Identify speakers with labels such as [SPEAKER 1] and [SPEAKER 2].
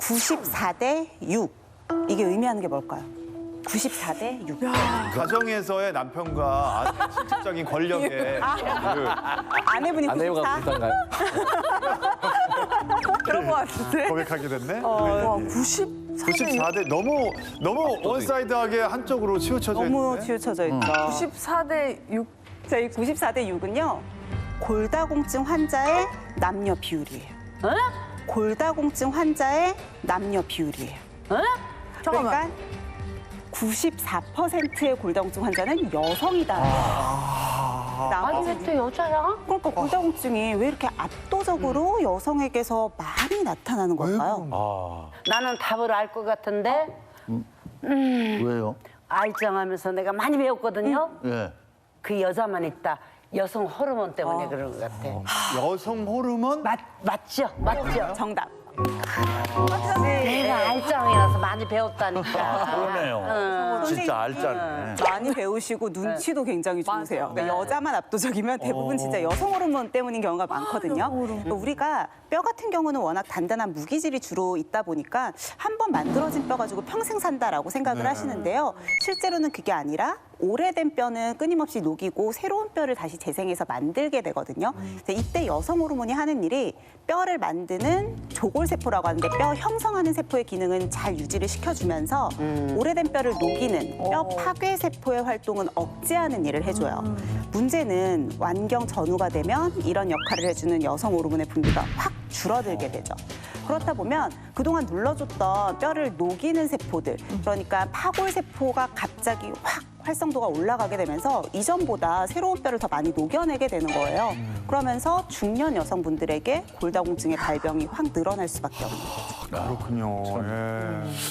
[SPEAKER 1] 94대 6. 이게 의미하는 게 뭘까요? 94대 6.
[SPEAKER 2] 가정에서의 남편과 아내의 실질적인 권력의 그
[SPEAKER 1] 아내분이 94?
[SPEAKER 3] 아내가 비슷한가요?
[SPEAKER 1] 그런 것 같은데?
[SPEAKER 2] 고백하게 됐네.
[SPEAKER 1] 와,
[SPEAKER 2] 94대 너무 원사이드하게 한쪽으로 치우쳐져
[SPEAKER 1] 너무
[SPEAKER 2] 있는데.
[SPEAKER 1] 치우쳐져 있죠.
[SPEAKER 4] 94대 6.
[SPEAKER 1] 저희 94대 6은요. 골다공증 환자의 남녀 비율이에요. 골다공증 환자의 남녀 비율이에요.
[SPEAKER 4] 잠깐만.
[SPEAKER 1] 그러니까 94%의 골다공증 환자는 여성이다.
[SPEAKER 5] 아니 왜 또 여자야?
[SPEAKER 1] 그러니까 골다공증이 왜 이렇게 압도적으로 여성에게서 많이 나타나는 걸까요?
[SPEAKER 5] 나는 답을 알 것 같은데
[SPEAKER 6] 왜요?
[SPEAKER 5] 알짱하면서 내가 많이 배웠거든요.
[SPEAKER 6] 예.
[SPEAKER 5] 그 여자만 있다. 여성 호르몬 때문에 그런 것 같아.
[SPEAKER 2] 여성 호르몬?
[SPEAKER 5] 맞죠? 맞죠?
[SPEAKER 1] 정답.
[SPEAKER 5] 내가 알짱이라서 많이 배웠다니까.
[SPEAKER 6] 그러네요. 진짜 알짜네.
[SPEAKER 1] 많이 배우시고 눈치도 굉장히 좋으세요. 그러니까 여자만 압도적이면 대부분 진짜 여성 호르몬 때문인 경우가 많거든요. 그러니까 우리가 뼈 같은 경우는 워낙 단단한 무기질이 주로 있다 보니까 한 번 만들어진 뼈 가지고 평생 산다라고 생각을 하시는데요. 실제로는 그게 아니라 오래된 뼈는 끊임없이 녹이고 새로운 뼈를 다시 재생해서 만들게 되거든요. 그래서 이때 여성 호르몬이 하는 일이 뼈를 만드는 조골세포라고 하는데 뼈 형성하는 세포의 기능은 잘 유지를 시켜주면서 오래된 뼈를 녹이는 뼈 파괴 세포의 활동은 억제하는 일을 해줘요. 문제는 완경 전후가 되면 이런 역할을 해주는 여성 호르몬의 분비가 확 줄어들게 되죠. 그렇다 보면 그동안 눌러줬던 뼈를 녹이는 세포들, 그러니까 파골 세포가 갑자기 확 활성도가 올라가게 되면서 이전보다 새로운 뼈를 더 많이 녹여내게 되는 거예요. 그러면서 중년 여성분들에게 골다공증의 발병이 확 늘어날 수밖에 없는 거죠.
[SPEAKER 2] 그렇군요. 예.